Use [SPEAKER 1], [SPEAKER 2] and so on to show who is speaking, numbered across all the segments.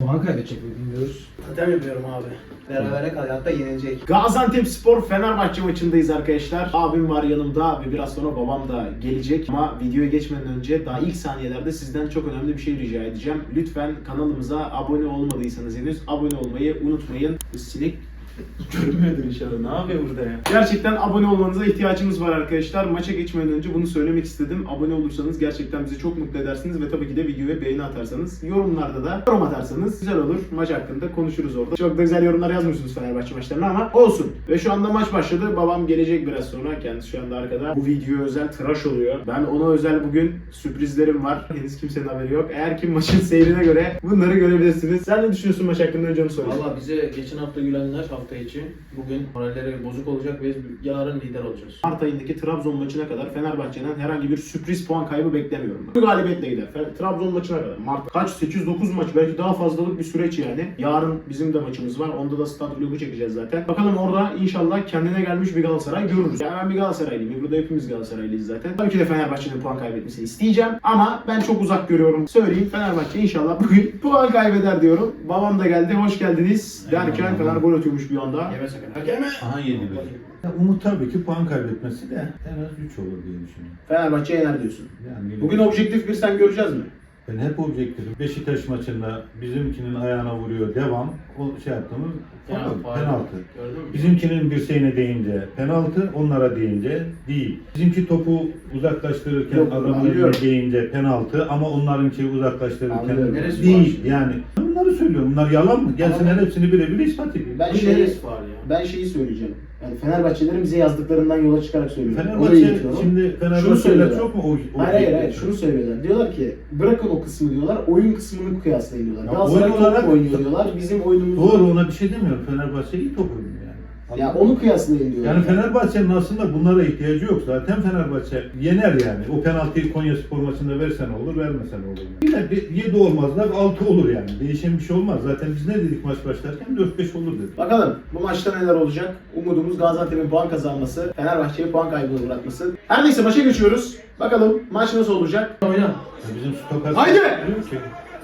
[SPEAKER 1] Puan kaybedecek mi bilmiyoruz.
[SPEAKER 2] Totem yapıyorum abi. Berabere kalıyor, hatta yenilecek.
[SPEAKER 3] Gaziantepspor Fenerbahçe maçındayız arkadaşlar. Abim var yanımda ve biraz sonra babam da gelecek. Ama videoya geçmeden önce daha ilk saniyelerde sizden çok önemli bir şey rica edeceğim. Lütfen kanalımıza abone olmadıysanız henüz abone olmayı unutmayın. Sinek görünmüyordur inşallah. Ne yapıyor burada ya? Gerçekten abone olmanıza ihtiyacımız var arkadaşlar. Maça geçmeden önce bunu söylemek istedim. Abone olursanız gerçekten bizi çok mutlu edersiniz ve tabii ki de videoya beğeni atarsanız, yorumlarda da yorum atarsanız güzel olur. Maç hakkında konuşuruz orada. Çok da güzel yorumlar yazmıyorsunuz Fenerbahçe maçlarına ama olsun. Ve şu anda maç başladı. Babam gelecek biraz sonra. Kendisi şu anda arkada. Bu videoya özel tıraş oluyor. Ben ona özel bugün sürprizlerim var. Henüz kimsenin haberi yok. Eğer ki maçın seyrine göre bunları görebilirsiniz. Sen ne düşünüyorsun maç hakkında, önce onu sorayım.
[SPEAKER 2] Valla bize geçen hafta gülenler hafta içi bugün moralleri bozuk olacak ve yarın lider olacağız.
[SPEAKER 3] Mart ayındaki Trabzon maçına kadar Fenerbahçe'den herhangi bir sürpriz puan kaybı beklemiyorum. Bu galibiyetle gider. Trabzon maçına kadar. Mart kaç? 8-9 maç, belki daha fazlalık bir süreç yani. Yarın bizim de maçımız var. Onda da stat vlogu çekeceğiz zaten. Bakalım orada inşallah kendine gelmiş bir Galatasaray görürüz. Yani ben bir Galatasaraylıyım. Burada hepimiz Galatasaraylıyız zaten. Tabii ki de Fenerbahçe'nin puan kaybetmesini isteyeceğim. Ama ben çok uzak görüyorum. Söyleyeyim, Fenerbahçe inşallah bugün puan kaybeder diyorum. Babam da geldi. Hoş geldiniz derken Fener gol atıyormuş bir anda.
[SPEAKER 2] Yeme sakın. Hakeme!
[SPEAKER 4] Aha 7-1. Umut tabii ki puan kaybetmesi de en az 3 olur diye düşünüyorum.
[SPEAKER 3] Fenerbahçe yener diyorsun.
[SPEAKER 4] Yani
[SPEAKER 3] Bugün objektif bir sen göreceğiz mi?
[SPEAKER 4] ben hep objektifim. Beşiktaş maçında bizimkinin ayağına vuruyor devam. O şey yaptığımız penaltı.
[SPEAKER 2] Gördün mü?
[SPEAKER 4] Bizimkinin dirseğine değince penaltı, onlara değince değil. Bizimki topu uzaklaştırırken
[SPEAKER 3] Yok,
[SPEAKER 4] adamın
[SPEAKER 3] anlıyorum.
[SPEAKER 4] eline değince penaltı ama onlarınki uzaklaştırırken
[SPEAKER 3] Anlıyorum.
[SPEAKER 2] Neresi
[SPEAKER 4] değil.
[SPEAKER 2] var?
[SPEAKER 4] Yani bunları söylüyorum. Bunlar yalan mı? Gelsinler
[SPEAKER 3] Ama-
[SPEAKER 4] hepsini birebir ispat edeyim.
[SPEAKER 3] Ben
[SPEAKER 2] Bu
[SPEAKER 3] şeyi,
[SPEAKER 2] neresi var ya?
[SPEAKER 3] ben şeyi söyleyeceğim. Yani Fenerbahçelerin bize yazdıklarından yola çıkarak söylüyorum. Orayı
[SPEAKER 4] Fenerbahçe
[SPEAKER 3] iletiyorum.
[SPEAKER 4] şimdi
[SPEAKER 3] Şunu
[SPEAKER 4] Fenerbahçe'ler
[SPEAKER 3] söylüyorlar.
[SPEAKER 4] çok mu o
[SPEAKER 3] Hayır, şunu söylüyorlar. Diyorlar ki bırakın o kısmı diyorlar, oyun kısmını kıyaslayın diyorlar.
[SPEAKER 4] Ya
[SPEAKER 3] Galatasaray
[SPEAKER 4] oyun olarak-
[SPEAKER 3] top oynuyor diyorlar, bizim oyunumuz...
[SPEAKER 4] Doğru, ona bir şey demiyorum. Fenerbahçe iyi top oynuyor yani.
[SPEAKER 3] Ya onu kıyaslayın diyorlar.
[SPEAKER 4] Yani Fenerbahçe'nin aslında bunlara ihtiyacı yok. Zaten Fenerbahçe yener yani. O penaltıyı Konyaspor maçında versen olur, vermesen olur. Yine 7 olmazlar, 6 olur yani. Değişen bir şey olmaz. Zaten biz ne dedik maç başlarken? 4-5 olur dedik.
[SPEAKER 3] Bakalım bu maçta neler olacak? Umudumuz Gaziantep'in puan kazanması, Fenerbahçe'yi puan kaybını bırakması. Her neyse maça geçiyoruz. Bakalım maç nasıl olacak?
[SPEAKER 2] Oyna.
[SPEAKER 4] Ya bizim stoper...
[SPEAKER 3] Haydi!
[SPEAKER 4] Diyor ki,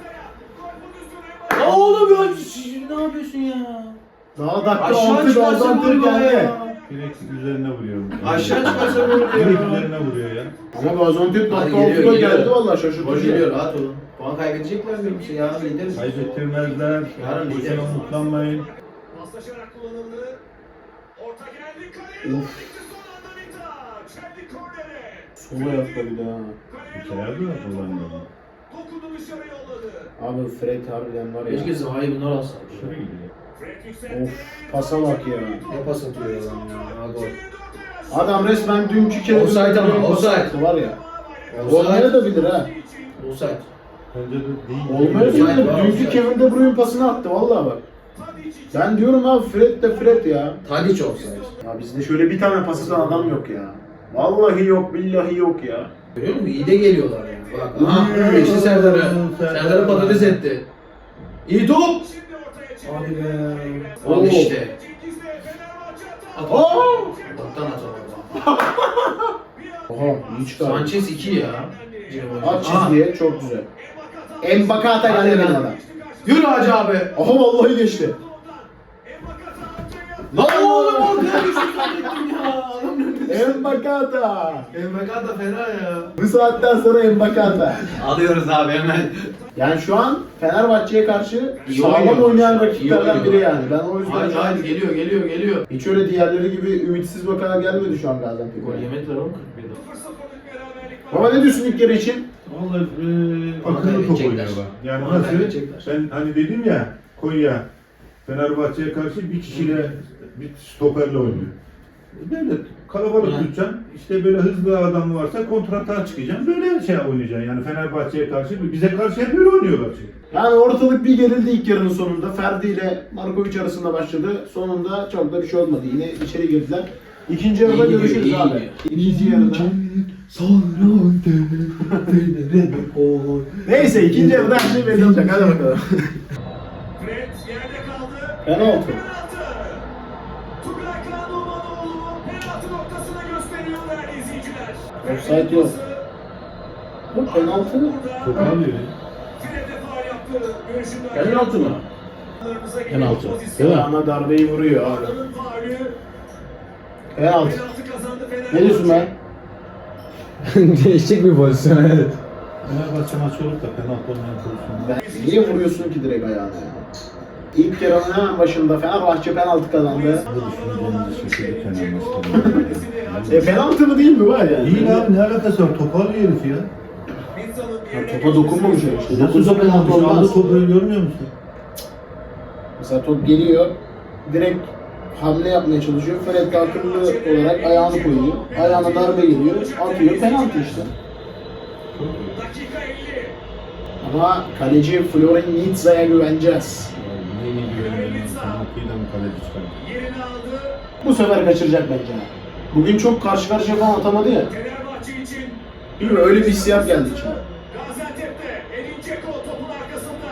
[SPEAKER 2] Oğlum ya ne yapıyorsun ya?
[SPEAKER 3] Daha dakika
[SPEAKER 2] Aşağı
[SPEAKER 3] 6
[SPEAKER 2] çıkarsa
[SPEAKER 3] Gaziantep
[SPEAKER 2] gol
[SPEAKER 3] geldi.
[SPEAKER 2] ya.
[SPEAKER 4] direkt üzerine vuruyorum.
[SPEAKER 2] Aşağı çıkarsa gol
[SPEAKER 4] Direkt
[SPEAKER 2] diyor.
[SPEAKER 4] üzerine vuruyor ya.
[SPEAKER 3] Ama Gaziantep
[SPEAKER 2] Hadi
[SPEAKER 3] dakika
[SPEAKER 2] geliyor,
[SPEAKER 3] 6'da
[SPEAKER 2] geliyor.
[SPEAKER 3] geldi vallahi
[SPEAKER 2] Gol
[SPEAKER 3] şaşırtıcı.
[SPEAKER 2] geliyor, rahat olun. Puan kaybedecekler mi? Yarın lideriz.
[SPEAKER 4] Kaybettirmezler.
[SPEAKER 2] Yarın
[SPEAKER 4] Boşuna
[SPEAKER 2] lideriz.
[SPEAKER 4] umutlanmayın.
[SPEAKER 5] Paslaşarak kullanıldı. Orta geldi kaleye.
[SPEAKER 3] Of.
[SPEAKER 5] Gitti son anda Mita. Çeldi kornere.
[SPEAKER 3] Sola yaptı bir daha.
[SPEAKER 4] İçeride mi kullandı?
[SPEAKER 5] Dokundu dışarı yolladı.
[SPEAKER 3] Abi Fred harbiden var ya.
[SPEAKER 2] Keşke Zaha'yı bunlar alsa.
[SPEAKER 4] Şuraya gidiyor.
[SPEAKER 5] Fred yükseltti.
[SPEAKER 3] Of, pasa bak ya.
[SPEAKER 2] Ne pas atıyor ya adam ya. Ha, gol.
[SPEAKER 3] Adam resmen dünkü kere
[SPEAKER 2] Offside ama, offside.
[SPEAKER 3] var ya.
[SPEAKER 2] Offside.
[SPEAKER 3] Olmayabilir ha.
[SPEAKER 2] Offside.
[SPEAKER 4] Bence de değil.
[SPEAKER 3] Olmayabilir.
[SPEAKER 2] Offside var,
[SPEAKER 3] Dünkü
[SPEAKER 2] offside.
[SPEAKER 3] Kevin De Bruyne pasını attı vallahi bak. Ben diyorum abi Fred de Fred ya.
[SPEAKER 2] Tadic offside.
[SPEAKER 3] Ya bizde şöyle bir tane pas atan adam yok ya. Vallahi yok, billahi yok ya.
[SPEAKER 2] Görüyor musun? İyi de geliyorlar yani. Bak aha geçti Serdar'ı. Serdar'ı patates etti. İyi top.
[SPEAKER 5] Şimdi ortaya çıktı.
[SPEAKER 2] Hadi be.
[SPEAKER 3] Oo.
[SPEAKER 2] Al işte.
[SPEAKER 5] Cengiz'le Fenerbahçe attı.
[SPEAKER 2] At.
[SPEAKER 3] Oo!
[SPEAKER 2] Allah'tan at ama.
[SPEAKER 3] Oha iyi çıkardı.
[SPEAKER 2] Sanchez 2 ya.
[SPEAKER 3] At çizgiye çok güzel. Embakata
[SPEAKER 2] Hadi
[SPEAKER 3] geldi
[SPEAKER 2] lan.
[SPEAKER 3] benim adam.
[SPEAKER 2] Yürü Hacı abi.
[SPEAKER 3] Aha vallahi geçti.
[SPEAKER 2] Lan oğlum ortaya düştü zannettim ya. Adam önünde.
[SPEAKER 3] Embakata.
[SPEAKER 2] Emrekan da fena ya.
[SPEAKER 3] Bu saatten sonra Embakata.
[SPEAKER 2] Alıyoruz abi hemen.
[SPEAKER 3] Yani şu an Fenerbahçe'ye karşı
[SPEAKER 2] İyi
[SPEAKER 3] sağlam
[SPEAKER 2] oynuyor.
[SPEAKER 3] oynayan
[SPEAKER 2] İyi
[SPEAKER 3] rakiplerden
[SPEAKER 2] oynuyor.
[SPEAKER 3] biri yani. Ben o yüzden
[SPEAKER 2] Haydi
[SPEAKER 3] şu an
[SPEAKER 2] haydi geliyor.
[SPEAKER 3] hiç öyle diğerleri gibi ümitsiz bakarak gelmedi şu an
[SPEAKER 2] Gol
[SPEAKER 3] Gaziantep'e.
[SPEAKER 2] yemediler oğlum 41'de.
[SPEAKER 3] Baba ne diyorsun ilk yarı için?
[SPEAKER 4] Vallahi akıllı top
[SPEAKER 2] kaybedecekler.
[SPEAKER 4] oynuyorlar. Yani
[SPEAKER 2] Onu
[SPEAKER 4] nasıl?
[SPEAKER 2] kaybedecekler.
[SPEAKER 4] Ben hani dedim ya Konya Fenerbahçe'ye karşı bir kişiyle bir stoperle oynuyor. Böyle kalabalık
[SPEAKER 2] Hı.
[SPEAKER 4] tutacaksın. İşte böyle hızlı adam varsa kontratağa çıkacaksın. Böyle şey oynayacaksın. Yani Fenerbahçe'ye karşı bize karşı hep böyle oynuyorlar çünkü.
[SPEAKER 3] Yani ortalık bir gerildi ilk yarının sonunda. Ferdi ile Markovic arasında başladı. Sonunda çok da bir şey olmadı. Yine içeri girdiler. İkinci yarıda
[SPEAKER 2] İyi gidiyor,
[SPEAKER 3] görüşürüz
[SPEAKER 2] iyi
[SPEAKER 3] abi.
[SPEAKER 2] gidiyor.
[SPEAKER 3] İkinci yarıda.
[SPEAKER 2] Gol.
[SPEAKER 3] Neyse ikinci yarıda her şey belli olacak. Hadi bakalım.
[SPEAKER 5] Fred yerde kaldı.
[SPEAKER 3] Penaltı.
[SPEAKER 5] Tugay Kağanoğlu penaltı noktasına gösteriyor değerli izleyiciler.
[SPEAKER 3] Offside yok. Bu penaltı mı?
[SPEAKER 4] Çok alıyor.
[SPEAKER 5] Fred'e faul yaptı.
[SPEAKER 2] Penaltı mı?
[SPEAKER 1] Penaltı. Değil mi?
[SPEAKER 3] Ayağına darbeyi vuruyor abi. Penaltı.
[SPEAKER 1] Ne diyorsun ben? Değişik bir pozisyon evet.
[SPEAKER 4] Fenerbahçe maçı olup da penaltı olmayan pozisyonda.
[SPEAKER 3] Niye vuruyorsun ki direkt ayağına ya? İlk yarının hemen başında Fenerbahçe penaltı kazandı.
[SPEAKER 4] Bu düşüncemizi şaşırdık Fenerbahçe'de.
[SPEAKER 3] Penaltı mı değil mi var ya?
[SPEAKER 4] İyi abi ne alakası var? Topu alıyor herif ya.
[SPEAKER 3] Topa dokunmamış ya işte.
[SPEAKER 4] Nasıl
[SPEAKER 3] Dokunsa penaltı
[SPEAKER 4] dokunmamış? Aldı
[SPEAKER 3] olmaz.
[SPEAKER 4] topu görmüyor musun?
[SPEAKER 3] Mesela top geliyor. Direkt hamle yapmaya çalışıyor. Fred de akıllı olarak ayağını koyuyor. Ayağına darbe geliyor. Atıyor. Penaltı işte. Ama kaleci Florin Nitza'ya güveneceğiz.
[SPEAKER 4] Neyine güveniyorum? Penaltıyı da mı kaleci çıkardı?
[SPEAKER 3] Bu sefer kaçıracak bence. Bugün çok karşı karşıya falan atamadı ya. Bilmiyorum öyle bir hissiyat geldi içime.
[SPEAKER 5] Gaziantep'te Edin Dzeko topun arkasında.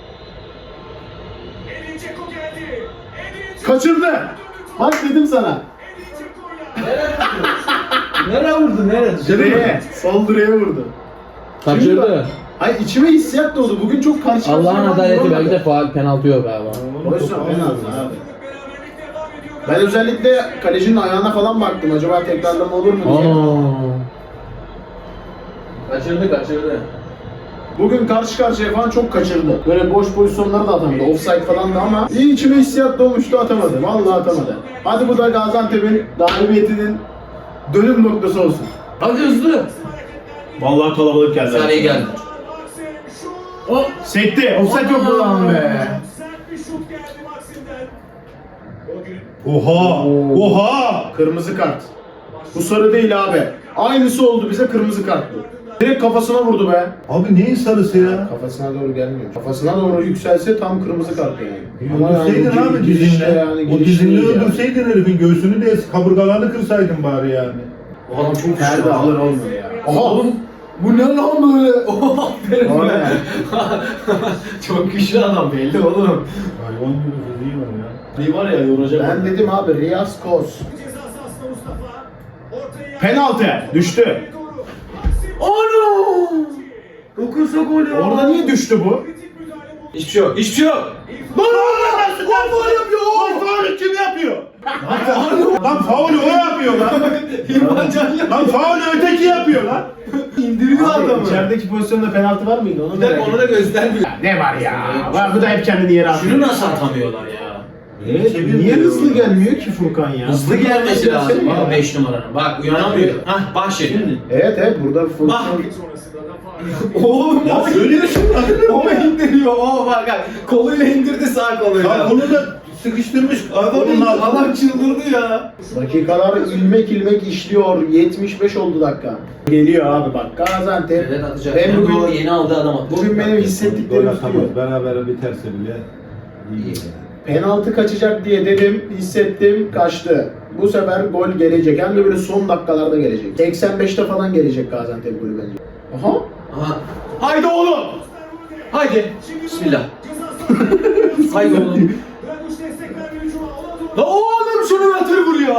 [SPEAKER 5] Edin Dzeko geldi. Edin Dzeko
[SPEAKER 3] Kaçırdı. Bak dedim sana.
[SPEAKER 5] Edin Dzeko'yla.
[SPEAKER 2] Nereye vurdu? Nereye?
[SPEAKER 3] Direğe, sol direğe vurdu.
[SPEAKER 1] Kaçırdı.
[SPEAKER 3] Ay içime hissiyat doğdu. Bugün çok karşı karşıya
[SPEAKER 1] Allah'ın
[SPEAKER 3] falan
[SPEAKER 1] adaleti
[SPEAKER 3] vuramadı.
[SPEAKER 1] belki de faal penaltı yok galiba.
[SPEAKER 3] Boşver penaltı abi.
[SPEAKER 5] Beraberlik devam ediyor.
[SPEAKER 3] Ben özellikle kalecinin ayağına falan baktım. Acaba tekrarlama olur mu diye.
[SPEAKER 2] Kaçırdı.
[SPEAKER 3] Bugün karşı karşıya falan çok kaçırdı. Böyle boş pozisyonları da atamadı. Offside falan da ama iyi içime hissiyat doğmuştu atamadı. Vallahi atamadı. Hadi bu da Gaziantep'in galibiyetinin dönüm noktası olsun.
[SPEAKER 2] Hadi hızlı.
[SPEAKER 3] Vallahi kalabalık geldi.
[SPEAKER 2] Saniye geldi.
[SPEAKER 5] Maxim şut.
[SPEAKER 3] O sekti. Offside yok bu lan be.
[SPEAKER 5] Sert bir şut geldi Maxim'den. O gün
[SPEAKER 4] Oha! Oha!
[SPEAKER 3] Kırmızı kart. Bu sarı değil abi. Aynısı oldu bize kırmızı kart bu. Direkt kafasına vurdu be.
[SPEAKER 4] Abi neyin sarısı ya?
[SPEAKER 3] Kafasına doğru gelmiyor. Kafasına doğru yükselse tam kırmızı kart yani.
[SPEAKER 4] Öldürseydin
[SPEAKER 3] yani
[SPEAKER 4] abi
[SPEAKER 3] girişte
[SPEAKER 4] dizinle.
[SPEAKER 3] yani,
[SPEAKER 4] O
[SPEAKER 3] girişte
[SPEAKER 4] dizinle
[SPEAKER 3] değil yani.
[SPEAKER 4] öldürseydin herifin göğsünü de kaburgalarını kırsaydın bari yani.
[SPEAKER 2] O adam çok
[SPEAKER 3] Perde alır olmuyor ya.
[SPEAKER 2] Oha oğlum. Bu ne lan böyle? Oha aferin
[SPEAKER 3] O
[SPEAKER 2] be.
[SPEAKER 3] ne?
[SPEAKER 2] Çok güçlü adam belli oğlum.
[SPEAKER 4] Hayvan gibi fiziği var ya.
[SPEAKER 2] Bir var ya yoracak.
[SPEAKER 3] Ben dedim abi Riyaz Kos.
[SPEAKER 5] ceza sahasında Mustafa. Ortaya
[SPEAKER 3] Penaltı. Düştü.
[SPEAKER 5] doğru. Maxim
[SPEAKER 2] Ano! Dokunsa gol ya.
[SPEAKER 3] Orada niye düştü bu?
[SPEAKER 5] kritik müdahale buldu.
[SPEAKER 2] Hiçbir şey yok. Hiçbir şey yok.
[SPEAKER 4] Faul yapıyor. Faul kim yapıyor? Lan faulü o yapıyor lan.
[SPEAKER 2] İrfan Can ya.
[SPEAKER 4] Lan faulü öteki yapıyor lan.
[SPEAKER 2] İndiriyor adamı.
[SPEAKER 3] İçerideki pozisyonda penaltı var mıydı? Onu
[SPEAKER 2] Bir dakika onu da göstermiyor.
[SPEAKER 3] Ne var ya? Var bu da hep kendini yere atıyor.
[SPEAKER 2] Şunu nasıl atamıyorlar ya?
[SPEAKER 3] Evet, niye hızlı gelmiyor ki Furkan ya?
[SPEAKER 2] Hızlı gelmesi lazım
[SPEAKER 3] Gelsene
[SPEAKER 2] ama
[SPEAKER 3] ya.
[SPEAKER 2] 5 numaranın. Bak uyanamıyor. Hah bak şimdi.
[SPEAKER 3] Evet burada Furkan.
[SPEAKER 2] Bak.
[SPEAKER 5] Sonrasında da faul.
[SPEAKER 2] Oğlum
[SPEAKER 4] Ya
[SPEAKER 2] o
[SPEAKER 4] söylüyorsun lan.
[SPEAKER 2] o indiriyor. O bak koluyla indirdi sağ
[SPEAKER 4] Ya
[SPEAKER 2] koluyla.
[SPEAKER 4] onu da sıkıştırmış. Onun altına.
[SPEAKER 2] Adam çıldırdı ya.
[SPEAKER 3] Dakikalar ilmek ilmek işliyor. 75 oldu dakika. Geliyor abi bak Gaziantep.
[SPEAKER 2] Evet atacak.
[SPEAKER 3] Ben
[SPEAKER 2] Ben
[SPEAKER 3] bugün-
[SPEAKER 2] bugün yeni aldığı adam attı.
[SPEAKER 3] Bugün benim
[SPEAKER 4] Gol
[SPEAKER 3] hissettiklerim
[SPEAKER 4] atamaz.
[SPEAKER 3] tutuyor.
[SPEAKER 4] Berabere biterse bile iyi.
[SPEAKER 3] Penaltı kaçacak diye dedim, hissettim, kaçtı. Bu sefer gol gelecek. Hem de böyle son dakikalarda gelecek. 85'te falan gelecek Gaziantep golü bence. Aha.
[SPEAKER 2] Aha. Haydi oğlum. Haydi. Bismillah. Haydi oğlum.
[SPEAKER 5] Draguş destek verdi hücuma. Ona doğru.
[SPEAKER 2] La oğlum şunu yatır vuruyor.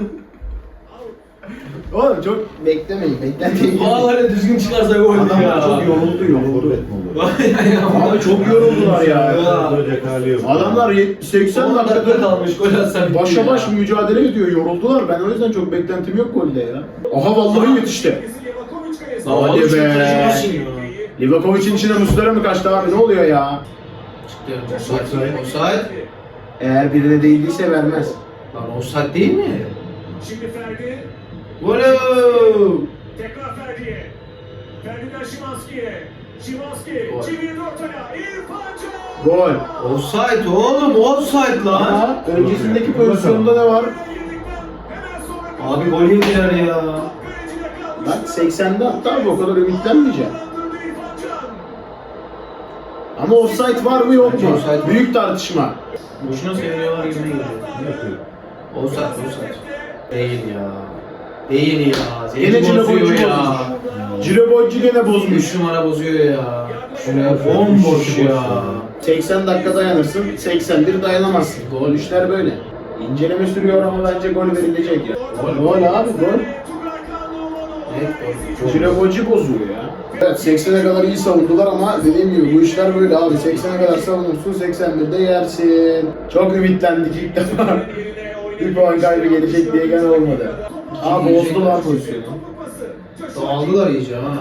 [SPEAKER 3] Oğlum çok beklemeyin, beklentiyi.
[SPEAKER 2] Vallahi düzgün çıkarsa gol ya.
[SPEAKER 3] Adamlar çok yoruldu.
[SPEAKER 4] Forvet mi olur?
[SPEAKER 3] Abi çok yoruldular ya.
[SPEAKER 4] Olacak hali yok.
[SPEAKER 3] Adamlar 80
[SPEAKER 2] 10 dakika
[SPEAKER 3] dakikada
[SPEAKER 2] kalmış gol atsa bitti
[SPEAKER 3] başa
[SPEAKER 2] ya.
[SPEAKER 3] baş mücadele ediyor. Yoruldular. Ben o yüzden çok beklentim yok golde ya. Aha vallahi yetişti.
[SPEAKER 5] Livakovic kalesi.
[SPEAKER 2] Lan
[SPEAKER 3] Hadi
[SPEAKER 2] oğlum şu
[SPEAKER 3] be.
[SPEAKER 2] kaleci nasıl ya?
[SPEAKER 3] Livakovic'in içine Muslera mı kaçtı abi? Ne oluyor ya?
[SPEAKER 2] Offside.
[SPEAKER 3] Eğer birine değildiyse vermez.
[SPEAKER 2] Lan offside değil mi?
[SPEAKER 5] Şimdi Ferdi.
[SPEAKER 2] Gol.
[SPEAKER 5] Tekrar Ferdi'ye. Ferdi'den Şimanski'ye. Şimanski
[SPEAKER 2] Gol.
[SPEAKER 5] çevirdi ortaya. İrfan Can.
[SPEAKER 3] Gol.
[SPEAKER 2] Offside oğlum offside lan.
[SPEAKER 3] Ama öncesindeki pozisyonda ne var?
[SPEAKER 5] Hemen sonra
[SPEAKER 2] Abi gol yediler ya.
[SPEAKER 5] kalecide kalmış.
[SPEAKER 3] Bak 80'de hatta abi o kadar ümitlenmeyeceğim.
[SPEAKER 5] Kandırdı İrfan Can.
[SPEAKER 3] Ama offside var mı yok
[SPEAKER 2] Bence
[SPEAKER 3] mu?
[SPEAKER 2] offside var.
[SPEAKER 3] Büyük tartışma.
[SPEAKER 2] Boşuna seviniyorlar gibi geliyor.
[SPEAKER 4] Ne yapıyor?
[SPEAKER 2] Offside offside. Değil ya. Değil ya.
[SPEAKER 3] Gene
[SPEAKER 2] Zeytin
[SPEAKER 3] Cino
[SPEAKER 2] bozuyor
[SPEAKER 3] Boycu
[SPEAKER 2] ya.
[SPEAKER 3] bozmuş. Ciro Boycu gene
[SPEAKER 2] 3
[SPEAKER 3] bozmuş.
[SPEAKER 2] numara bozuyor ya. Şuraya bomboş ya.
[SPEAKER 3] 80 dakika dayanırsın, 81 dayanamazsın. Gol işler böyle. İnceleme sürüyor ama bence gol verilecek ya. Gol abi gol.
[SPEAKER 5] Tugay Kanlıoğlu.
[SPEAKER 3] Cilevoci bozuyor ya.
[SPEAKER 2] Evet 80'e kadar iyi savundular ama dediğim gibi bu işler böyle abi. 80'e kadar savunursun 81'de yersin.
[SPEAKER 3] Çok ümitlendik ilk defa. Bir puan kaybı gelecek diye gene olmadı. Abi bozdular pozisyonu.
[SPEAKER 2] Aldılar iyice ha.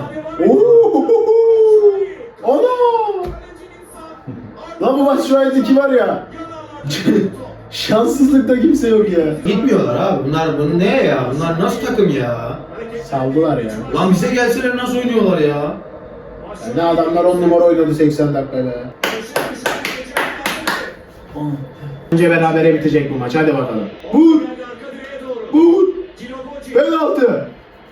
[SPEAKER 3] Ana! Lan bu maç şu an 2 var ya. Şanssızlıkta kimse yok ya.
[SPEAKER 2] Gitmiyorlar abi. Bunlar ne ya? Bunlar nasıl takım ya?
[SPEAKER 3] Saldılar ya.
[SPEAKER 2] Lan bize gelseler nasıl oynuyorlar ya?
[SPEAKER 3] Ne adamlar 10 numara oynadı 80 dakikada. Önce berabere bitecek bu maç. Hadi bakalım. Vur! Vur! Penaltı!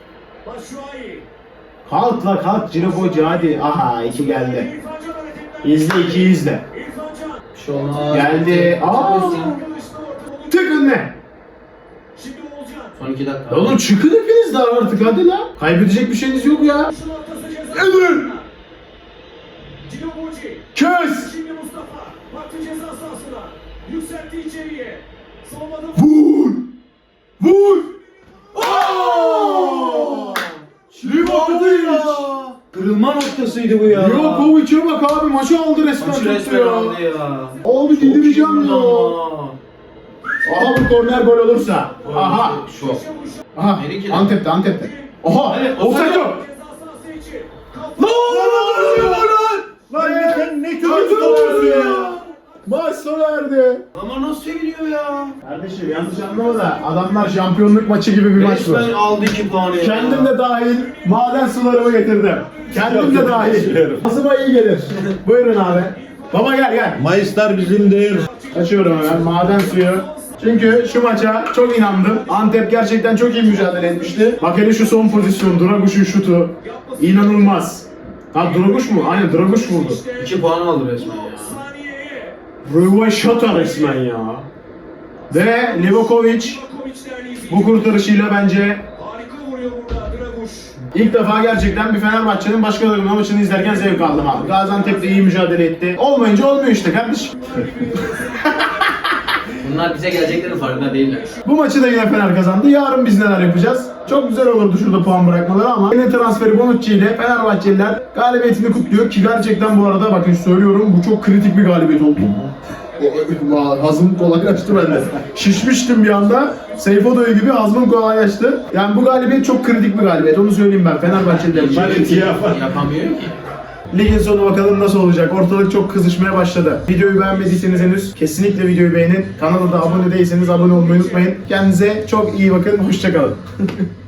[SPEAKER 3] Kalk la kalk Cilevoci hadi. Aha 2 geldi. İzle 2 izle.
[SPEAKER 2] Bir şey olmaz.
[SPEAKER 3] Geldi. Aa! Tık önüne.
[SPEAKER 2] Son 2 dakika.
[SPEAKER 3] Oğlum çıkın hepiniz daha artık hadi la. Kaybedecek bir şeyiniz yok ya. Edin! Kes!
[SPEAKER 5] Şimdi Mustafa baktı ceza sahasına. Yükseltti içeriye. Savunmada
[SPEAKER 3] Vur! Vur! Aaaa! Livakovic!
[SPEAKER 2] Kırılma noktasıydı bu ya.
[SPEAKER 3] Livakovic'e bak abi maçı aldı resmen
[SPEAKER 2] Maçı
[SPEAKER 3] tuttu
[SPEAKER 2] resmen
[SPEAKER 3] ya.
[SPEAKER 2] aldı ya.
[SPEAKER 3] Abi delireceğim ya.
[SPEAKER 2] Ama.
[SPEAKER 3] Aha bu korner gol olursa. Aha.
[SPEAKER 2] Şok.
[SPEAKER 3] Aha.
[SPEAKER 2] Biri ki-
[SPEAKER 3] Antep'te Antep'te. Aha. Offside yok.
[SPEAKER 5] ceza sahası için.
[SPEAKER 3] Lan
[SPEAKER 4] sen ne kötü topçusun ya.
[SPEAKER 3] Maç sona erdi.
[SPEAKER 2] Ama nasıl seviniyor ya?
[SPEAKER 3] Kardeşim yanlış anlama da adamlar şampiyonluk maçı gibi bir maç bu.
[SPEAKER 2] Resmen aldı 2 puanı ya.
[SPEAKER 3] Kendim de dahil maden sularımı getirdim. Kendim de dahil. Ağzıma iyi gelir. Buyurun abi. Baba gel gel.
[SPEAKER 4] Mayıslar bizimdir.
[SPEAKER 3] Açıyorum hemen maden suyu. Çünkü şu maça çok inandım. Antep gerçekten çok iyi mücadele etmişti. Bak hele şu son pozisyon, Draguş'un şutu. İnanılmaz. Ha Draguş mu? Aynen Draguş vurdu.
[SPEAKER 2] 2 puan aldı resmen ya.
[SPEAKER 5] Saniyeye.
[SPEAKER 3] Rövaşata resmen ya. Ve Livakovic bu kurtarışıyla bence
[SPEAKER 5] Harika vuruyor burada Draguş.
[SPEAKER 3] ilk defa gerçekten bir Fenerbahçe'nin başka takımın maçını izlerken zevk aldım abi. Gaziantep de iyi mücadele etti. Olmayınca olmuyor işte kardeşim.
[SPEAKER 2] Bunlar bize geleceklerin farkında değiller.
[SPEAKER 3] Bu maçı da yine Fener kazandı. Yarın biz neler yapacağız? Çok güzel olurdu şurada puan bırakmaları ama yine transferi Bonucci ile Fenerbahçeliler galibiyetini kutluyor ki gerçekten bu arada bakın söylüyorum bu çok kritik bir galibiyet oldu. Hazım kolaylaştı bende. Şişmiştim bir anda. Seyfodoğlu gibi hazmım kolaylaştı. Yani bu galibiyet çok kritik bir galibiyet. Onu söyleyeyim ben Fenerbahçeliler için.
[SPEAKER 2] Yapamıyor ki.
[SPEAKER 3] Ligin sonu bakalım nasıl olacak. Ortalık çok kızışmaya başladı. Videoyu beğenmediyseniz henüz kesinlikle videoyu beğenin. Kanala da abone değilseniz abone olmayı unutmayın. Kendinize çok iyi bakın. Hoşça kalın.